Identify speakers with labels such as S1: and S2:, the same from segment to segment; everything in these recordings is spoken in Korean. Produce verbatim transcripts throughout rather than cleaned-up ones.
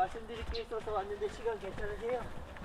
S1: 말씀드릴 게 있어서 왔는데 시간 괜찮으세요?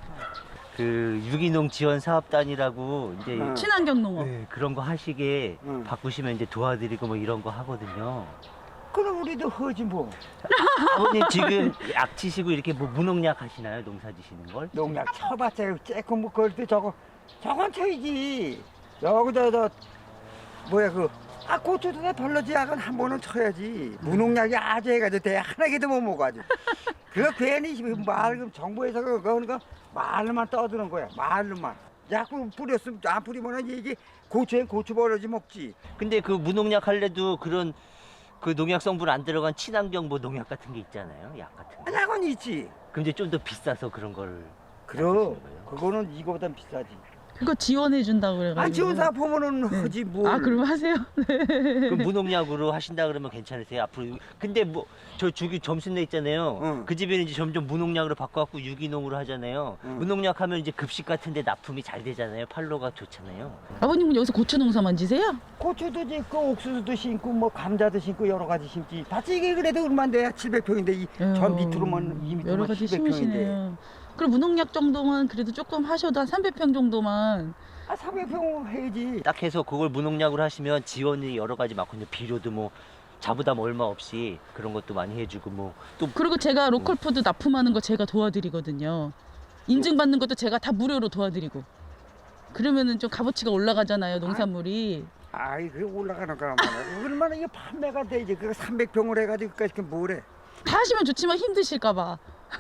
S2: 그 유기농 지원 사업단이라고 이제
S1: 응.
S3: 친환경 농업.
S2: 네, 그런 거 하시게
S1: 응.
S2: 바꾸시면 이제 도와드리고 뭐 이런 거 하거든요.
S1: 그럼 우리도 허지 뭐.
S2: 아버님 지금 약 치시고 이렇게 뭐 무농약 하시나요? 농사 지시는 걸?
S1: 농약 쳐봤자 쬐끔 뭐 그것도 저거 저건 쳐야지. 여기다 저 뭐야 그 아 고추도 내 벌러지 약은 한 번은 쳐야지. 무농약이 아주 해가지고 대 하나 개도 못 먹어 아주. 그거 괜히 말 그럼 정부에서 그거 그러니까 말로만 떠드는 거야. 말로만. 약국 뿌렸으면 안 뿌리면 이게 고추엔 고추 벌러지 먹지.
S2: 근데 그 무농약 할래도 그런 그 농약 성분 안 들어간 친환경 뭐 농약 같은 게 있잖아요. 약 같은 거.
S1: 약은 있지.
S2: 그럼 이제 좀 더 비싸서 그런 걸
S1: 그럼
S2: 하시는 거예요?
S1: 그거는 이거보단 비싸지.
S3: 그거 지원해 준다고 그래가지고.
S1: 아 지원사 보면은
S3: 네.
S1: 하지 뭐.
S3: 아, 그럼 하세요.
S2: 그 무농약으로 하신다 그러면 괜찮으세요? 앞으로 근데 뭐 저 주기 점순내 있잖아요.
S1: 응.
S2: 그 집에는 이제 점점 무농약으로 바꿔갖고 유기농으로 하잖아요.
S1: 응.
S2: 무농약 하면 이제 급식 같은데 납품이 잘 되잖아요. 팔로가 좋잖아요.
S3: 아버님은 여기서 고추 농사만 지세요?
S1: 고추도 심고 옥수수도 심고 뭐 감자도 심고 여러 가지 심지. 다치 이게 그래도 얼마인데 칠백 평인데 이 전 밑으로만 이 밑으로만
S3: 여러 가지
S1: 칠백 평인데.
S3: 심으시네요. 그럼 무농약 정도만 그래도 조금 하셔도 한 삼백 평 정도만.
S1: 아 삼백 평 해야지.
S2: 딱 해서 그걸 무농약으로 하시면 지원이 여러 가지 많거든요. 비료도 뭐 자부담 얼마 없이 그런 것도 많이 해주고 뭐 또
S3: 그리고 제가 로컬 푸드 납품하는 거 제가 도와드리거든요. 인증받는 것도 제가 다 무료로 도와드리고. 그러면은 좀 값어치가 올라가잖아요, 농산물이.
S1: 아이 그 올라가는 거란 말이야. 얼마나 이게 판매가 되지. 그거 삼백 평을 해가지고 그까지 뭐래.
S3: 다 하시면 좋지만 힘드실까 봐.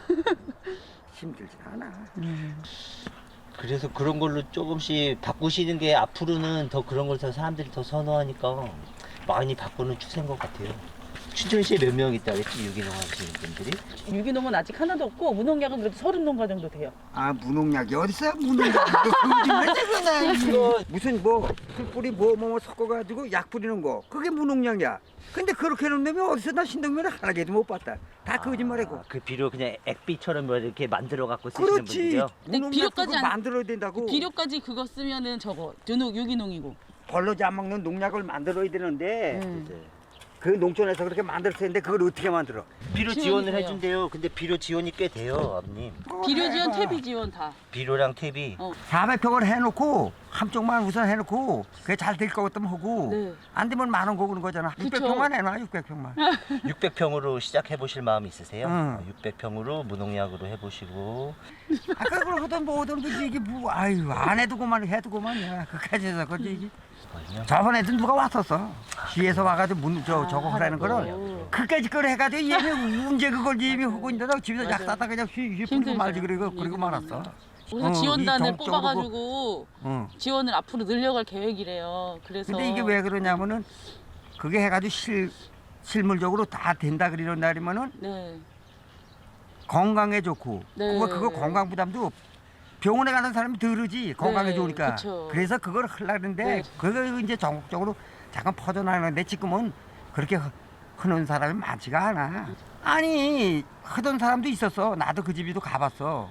S1: 힘들지 않아.
S2: 그래서 그런 걸로 조금씩 바꾸시는 게 앞으로는 더 그런 걸 더 사람들이 더 선호하니까 많이 바꾸는 추세인 것 같아요. 춘천시에 몇 명 있다 그랬지 유기농 하시는 분들이?
S3: 유기농은 아직 하나도 없고 무농약은 그래도 서른 농가 정도 돼요.
S1: 아 무농약이 어딨어요 무농약. 이거 무슨 뭐 풀뿌리 뭐 뭐 섞어가지고 약 뿌리는 거 그게 무농약이야. 근데 그렇게 해놓으면 어디서 나 신동면을 하나 개도 못 봤다. 다 거짓말이고.
S2: 아, 그 비료 그냥 액비처럼 뭐 이렇게 만들어 갖고 쓰시는
S1: 그렇지.
S2: 분들이요?
S3: 근데
S1: 무농약
S3: 비료까지
S1: 그거
S3: 안-
S1: 만들어야 된다고.
S3: 비료까지 그거 쓰면은 저거 유농, 유기농이고.
S1: 벌러지 안 먹는 농약을 만들어야 되는데
S3: 음.
S2: 네.
S1: 그 농촌에서 그렇게 만들 텐데 그걸 어떻게 만들어?
S2: 비료
S3: 지원이
S2: 지원을
S3: 돼요.
S2: 해준대요. 근데 비료 지원이 꽤 돼요, 아버님.
S3: 비료 지원, 퇴비 지원 다.
S2: 비료랑 퇴비.
S3: 어.
S1: 사백 평을 해놓고 한쪽만 우선 해놓고 그게 잘 될 것 같으면 하고
S3: 네.
S1: 안 되면 만 원 거구는 거잖아.
S3: 그쵸.
S1: 육백 평만 해놔 육백 평만.
S2: 육백 평으로 시작해 보실 마음 있으세요?
S1: 응.
S2: 육백 평으로 무농약으로 해보시고.
S1: 아까 그걸 하던 뭐 하던 거지 이게 뭐 아유 안 해두고만 해두고만이야 그까지 해서 그지 이게.
S2: 거든요.
S1: 저번에도 누가 왔었어. 뒤에서 와가지고 문, 저,
S3: 아,
S1: 저거 하라는 거를
S3: 하라고.
S1: 그까지 걸 해가지고 얘는 언제 그걸 얘미 하고 있는데 집에서 약
S3: 맞아요.
S1: 사다 그냥 휘휘 뿌리고
S3: 힘들죠.
S1: 말지 그리고 그리고
S3: 얘기는.
S1: 말았어.
S3: 그래서
S1: 어,
S3: 지원단을
S1: 이 정-
S3: 뽑아가지고
S1: 응.
S3: 지원을 앞으로 늘려갈 계획이래요. 그래서.
S1: 근데 이게 왜 그러냐면은 그게 해가지고 실 실물적으로 다 된다 그러는 날이면은
S3: 네.
S1: 건강에 좋고
S3: 네.
S1: 그거 그거 건강 부담도 병원에 가는 사람이 덜으지 건강에
S3: 네,
S1: 좋으니까
S3: 그쵸.
S1: 그래서 그걸 하려는데
S3: 네.
S1: 그거 이제 전국적으로 잠깐 퍼져나가는데 지금은 그렇게 하- 하는 사람이 많지가 않아. 아니 하던 사람도 있었어. 나도 그 집에도 가봤어.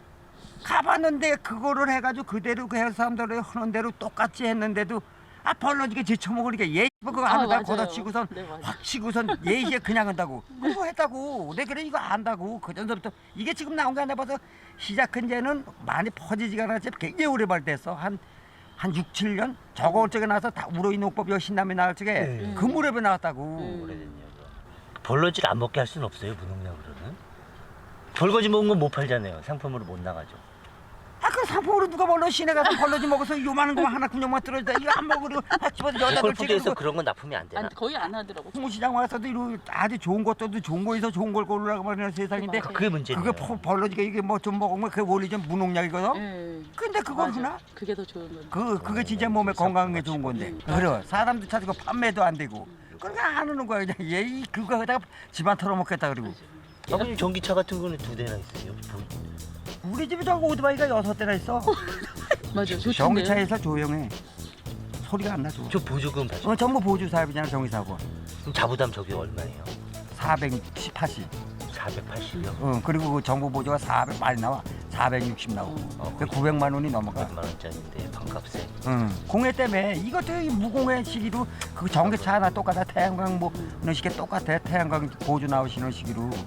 S1: 가봤는데 그거를 해가지고 그대로 그 사람들이 하는 대로 똑같이 했는데도 아 벌러지게 제쳐먹으니까 얘 그거
S3: 아,
S1: 안에다
S3: 맞아요.
S1: 걷어 치고선
S3: 네, 맞아요.
S1: 확 치고선 얘 이제 그냥 한다고 그거 했다고 내 그래 이거 안다고 그 전서부터 이게 지금 나온 게 아니라 봐서 시작한 지는 많이 퍼지지가 않았지 굉장히 오래 발됐어 한 한 육, 칠 년 저거 쪽에 나와서 다 우로이 농법 여신남이 나올 적에
S2: 네.
S1: 그 무렵에 나왔다고
S3: 음.
S2: 오래됐네요. 벌러지를 안 먹게 할 수는 없어요, 무농약으로는. 벌거지 먹은 건 못 팔잖아요. 상품으로 못 나가죠.
S1: 아 그 상품으로 누가 벌러 시내 가서 벌러지 먹어서 요만한 거 하나 군용만 떨어지다 이거 안 먹으려 확 집어서 여자
S2: 로컬푸드에서
S1: 놓치고
S2: 그런 건 납품이 안 되나?
S3: 안, 거의 안 하더라고.
S1: 홍시장 와서도 이런 아주 좋은 것도 좋은 거에서 좋은 걸 고르라고 말하는 세상인데
S3: 맞아요.
S2: 그게 문제네요.
S1: 그게 퍼- 벌러지가 이게 뭐 좀 먹으면 그게 원래 좀 무농약이거든.
S3: 네.
S1: 근데 그걸
S3: 맞아.
S1: 하나?
S3: 그게 더 좋은 건데.
S1: 그 그게 진짜 몸에 건강에 좋은 건데.
S3: 음.
S1: 그래 사람도 찾고 판매도 안 되고. 그러니까 안 하는 거야 그냥 얘 그거 하다가 집안 털어먹겠다 그리고.
S2: 아버님 전기차 같은 거는 두 대나 있어요.
S1: 우리 집에 저거 오토바이가 여섯 대나 있어.
S3: 맞아, 좋던데.
S1: 전기차에서 조용해. 소리가 안 나죠.
S2: 저 보조금 받죠.
S1: 어 전부 보조 사업이잖아 전기사고.
S2: 그럼 자부담 저게 얼마예요?
S1: 사백팔십.
S2: 사백팔십이요?
S1: 어 그리고 그 정부 보조가 사백 많이 나와. 사백육십 나오고.
S2: 어,
S1: 그 구백만 원이 넘어가.
S2: 백만 원짜리인데 반값에.
S1: 응. 공해 때문에 이것도 이 무공해 시기로 그 전기차 하나 똑같아 태양광 뭐 이런 식의 똑같아 태양광 보조 나오시는 시기로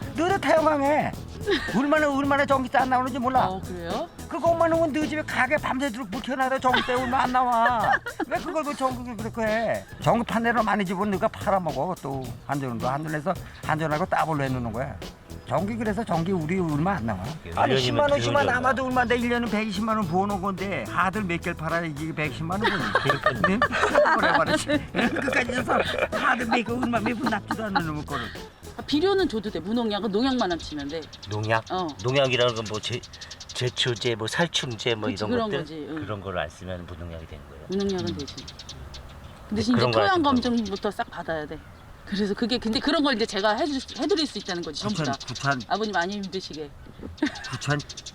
S1: 너도 태영강에 얼마나 얼마나 전기세 안 나오는지 몰라.
S3: 어 그래요?
S1: 그것만 하면 너 집에 가게 밤새도록 묵혀놔도 전기세 얼마 안 나와. 왜 그걸 그 전기를 그렇게 해? 전기 판넬로 많이 집으면 너가 팔아먹어. 또 한전도 한전에서 한전하고 따블로 해놓는 거야. 전기 그래서 전기 우리 얼마 안 나와. 아니
S2: 일 년이면
S1: 십만 원씩만
S2: 비용이
S1: 남아도 얼마인데 일 년은 백이십만 원 부어놓은 건데 하들 몇 개를 팔아야 이게 백이십만 원 버니. 네? 그래 말이지. 끝까지 해서 하들 몇개 얼마 몇 분 납지도 않는 놈의 거를.
S3: 아, 비료는 줘도 돼. 무농약은 농약만 안 치면 돼.
S2: 농약?
S3: 어.
S2: 농약이라는 건 뭐 제초제, 뭐 살충제 뭐
S3: 그치,
S2: 이런
S3: 그런
S2: 것들
S3: 거지, 응.
S2: 그런 걸 안 쓰면 무농약이 되는 거예요.
S3: 무농약은 되지. 근데
S2: 네,
S3: 이제
S2: 그런 거
S3: 토양
S2: 같은 거.
S3: 검증부터 싹 받아야 돼. 그래서 그게 근데 그런 걸 이제 제가 해줄 수- 해드릴 수 있다는 거지 전부 다.
S1: 구찬 구찬
S3: 아버님 많이 힘드시게.
S1: 구찬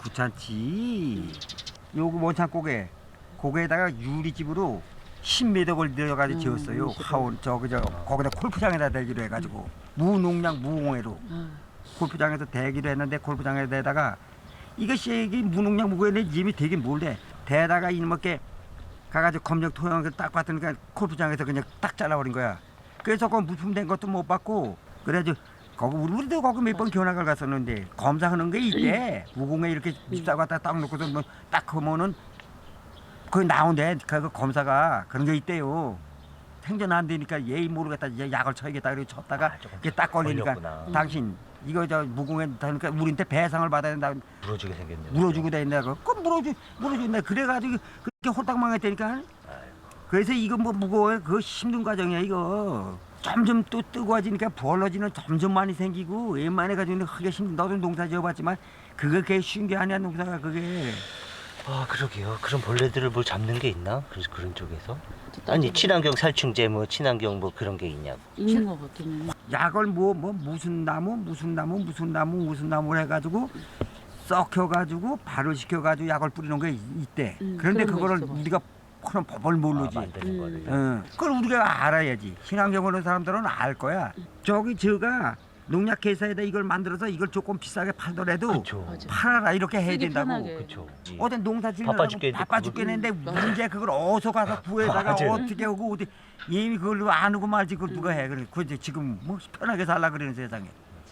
S1: 구찬치. 요거 원창 고개 고개에다가 유리집으로 십 미터 걸려가지고
S3: 음,
S1: 지었어요.
S3: 십오.
S1: 하원 저기 저 거기다 골프장에다 대기로 해가지고 무농약 무공해로
S3: 아,
S1: 골프장에서 대기로 했는데 골프장에다가 이것이 이게 무농약 무공해 이미 되긴 뭘래 대다가 이놈께 가가지고 검정 토양을 딱 봤더니까 골프장에서 그냥 딱 잘라버린 거야. 그래서 그 무품된 것도 못 받고 그래가지고 거기 우리- 우리도 거기 몇 번 견학을 갔었는데 검사하는 게 있대. 무공에 이렇게 집사 갖다 딱 놓고서 뭐딱 하면은 그 나온대. 그 검사가 그런 게 있대요. 생전 안 되니까 예의 모르겠다 이제 약을 쳐야겠다 그리고 쳤다가
S2: 아, 조금
S1: 이게 딱 걸리니까
S2: 걸렸구나.
S1: 당신 이거 저 무공에 다니까 우리한테 배상을 받아야 된다.
S2: 물어주게 생겼네요.
S1: 물어주고 다닌다고. 그 물어주 물어준다. 그래가지고 그렇게 홀딱 망했다니까. 그래서 이거 뭐 무거워요. 그거 힘든 과정이야 이거. 점점 또 뜨거워지니까 벌러지는 점점 많이 생기고 웬만해 가지고는 하기 힘든. 너도 농사 지어봤지만 그게 그게 쉬운 게 아니야 농사가 그게.
S2: 아 그러게요. 그런 벌레들을 뭘 잡는 게 있나? 그래서 그런 쪽에서 아니 친환경 살충제 뭐 친환경 뭐 그런 게 있냐고.
S3: 있는 거 같기는.
S1: 약을 뭐 뭐 무슨 나무 무슨 나무 무슨 나무 무슨 나무를 해가지고 썩혀가지고 발효 시켜가지고 약을 뿌리는 게 있- 있대.
S3: 음,
S1: 그런데
S3: 그런 거
S1: 그거를
S3: 있어 봐.
S1: 우리가 그런 법을 모르지.
S2: 아, 만드는
S3: 음.
S2: 거를.
S1: 어, 그걸 우리가 알아야지. 친환경 하는 사람들은 알 거야. 저기 저가 농약 회사에다 이걸 만들어서 이걸 조금 비싸게 팔더라도
S2: 그렇죠.
S3: 맞아.
S1: 팔아라 이렇게 해야
S3: 쓰기
S1: 된다고.
S3: 편하게.
S2: 그렇죠.
S1: 어떤 농사
S2: 바빠
S1: 짓느라고
S2: 죽겠는데
S1: 바빠
S2: 그걸-
S1: 죽겠는데
S3: 음, 맞아.
S1: 문제 그걸 어디서 가서 구해다가
S2: 맞아요.
S1: 어떻게 하고 어디 이미 그걸 안 하고 말지 그걸 누가 해. 그래. 그 지금 뭐 편하게 살라 그러는 세상에.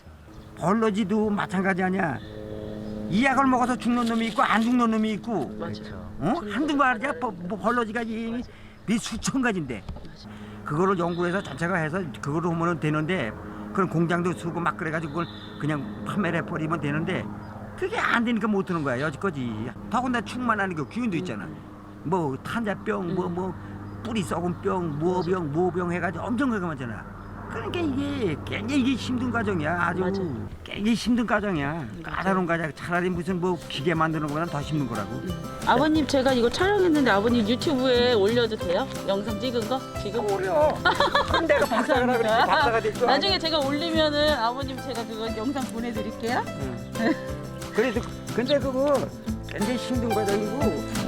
S1: 벌러지도 마찬가지 아니야. 이 약을 먹어서 죽는 놈이 있고 안 죽는 놈이 있고.
S3: 맞아.
S2: 그렇죠.
S1: 어? 한두 마리야 뭐, 뭐 벌러지가 이미 몇 수천 가지인데 그거를 연구해서 자체가 해서 그거로 하면 되는데 그런 공장도 쓰고 막 그래가지고 그걸 그냥 판매를 해버리면 되는데 그게 안 되니까 못 하는 거야 여지까지. 더군다나 충만하는 게 기운도 있잖아. 뭐 탄자병 뭐 뭐 뿌리 썩은 병 무어병 무어병 해가지고 엄청 그거 많잖아. 그러니까 이게 굉장히 이게 힘든 과정이야. 아주
S3: 맞아.
S1: 굉장히 힘든 과정이야. 까다로운 과정. 차라리 무슨 뭐 기계 만드는 것보다 더 힘든 거라고.
S3: 아버님 제가 이거 촬영했는데 아버님 유튜브에 올려도 돼요? 영상 찍은 거 지금?
S1: 어려. 그럼 내가 박사가 그랬지. 박사가 됐어.
S3: 나중에 제가 올리면은 아버님 제가 그거 영상 보내드릴게요.
S1: 그래서 근데 그거 굉장히 힘든 과정이고